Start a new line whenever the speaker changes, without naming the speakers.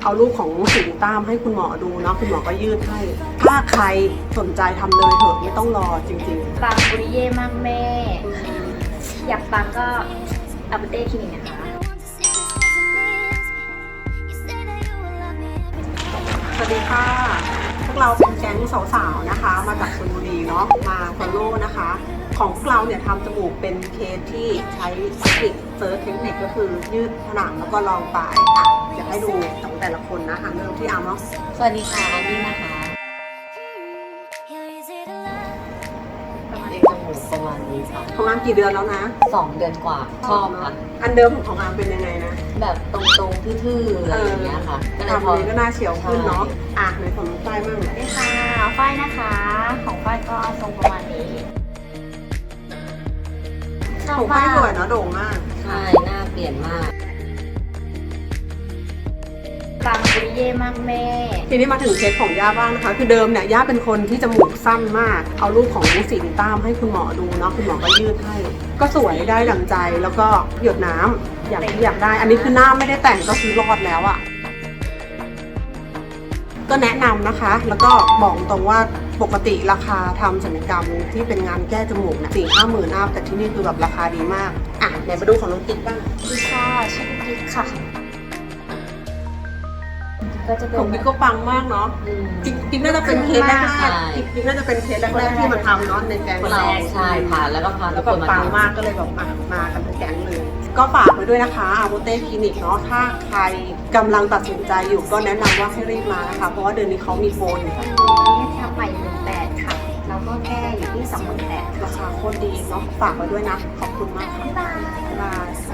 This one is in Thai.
เอารูปของสิงตั้มให้คุณหมอดูเนาะคุณหมอก็ยืดให้ถ้าใครสนใจทำเลยเถอะไม่ต้องรอจริงๆ
ปังปุริเย่มากแม่ อยากปังก็อัปเดตคลินิกนะคะ
สวัสดีค่ะ พวกเราเป็นแก๊งสาวๆนะคะ มาจากชลบุรีเนาะมาฟอลโล่นะคะ ของพวกเราเนี่ยทำจมูกเป็นเคสที่ใช้เทคนิคเซิร์ชเทคนิคก็คือยืดผนังแล้วก็รองปลายค่ะอยากให้ดูของแต่ละคนนะคะเริ่มที่อาร์มเนาะ
สวัสดีค่ะอันนี้นะคะเองจมูกประมาณนี้ค่ะ
ของอาร์มกี่เดือนแล้วนะ
2 เดือนกว่าชอบค่ะ
อันเดิมของอาร์มเป็นยังไงนะ
แบบตรงๆทื่อๆอะไรอย่างเงี้ยค่ะก็เลย
ทำนี้ก็น่าเฉียวขึ้นเนาะในของน้องฝ้ายมั่ง
สวัสดีค่ะฝ้ายนะคะ ของฝ้ายก็ทรงประมาณนี้ชอบ
ของ
มา
ฝ้าย
ก
สวยเนาะโด่งมาก
ใช่หน้าเปลี่ยนมาก
ปังปุริเย่มากแม่
ทีนี้มาถึงเคสของย่าบ้างนะคะ คือเดิมเนี่ยย่าเป็นคนที่จมูกสั้นมาก เอารูปของสิงตั้มให้คุณหมอดูเนาะคุณหมอก็ยืดให้ ก็สวยได้ดั่งใจแล้วก็หยดน้ำอย่างที่อยากได้ อันนี้คือหน้าไม่ได้แต่งก็คือรอดแล้วอะ่ะก็แนะนำนะคะ แล้วก็บอกตรงว่าปกติราคาทำศัลยกรรมที่เป็นงานแก้จมูกเนี่ย4-5 หมื่นอัพแต่ที่นี่คือแบบราคาดีมากไหนมาดูของน้องติ๊กบ้าง
ดีค่ะชื่อกิ๊กค่ะ ก็จะเป็น
ของบิ๊กก็ปังมากเนาะ กิ๊กน่าจะเป็นเคสแรก
ใช่
ๆกิ๊กน่าจะเป็นเคสแรกๆที่มาทำเนาะในแก๊ง
คน
เรา
แรกใช่ผ่านแล้วก็พา
แล้ว
ทุ
ก็
กคนมา
ปัง
ทำ
มากก็เลยแบบมากันเป็นแก๊งเลย ก็ฝากไว้ด้วยนะคะอาโบเต้คลินิกเนาะถ้าใครกำลังตัดสินใจอยู่ก็แนะนำว่าให้รีบมานะคะเพราะว่าเดือนนี้เขามีโปรอยู่
วันนี้ทำใหม่18,000ค่ะ แล้วก็แก้อยู่ที่28,000
ราคาโคตรดีเนาะฝากไว้ด้วยนะขอบคุณมากค่ะ
บ๊ายบาย
บ๊ายบาย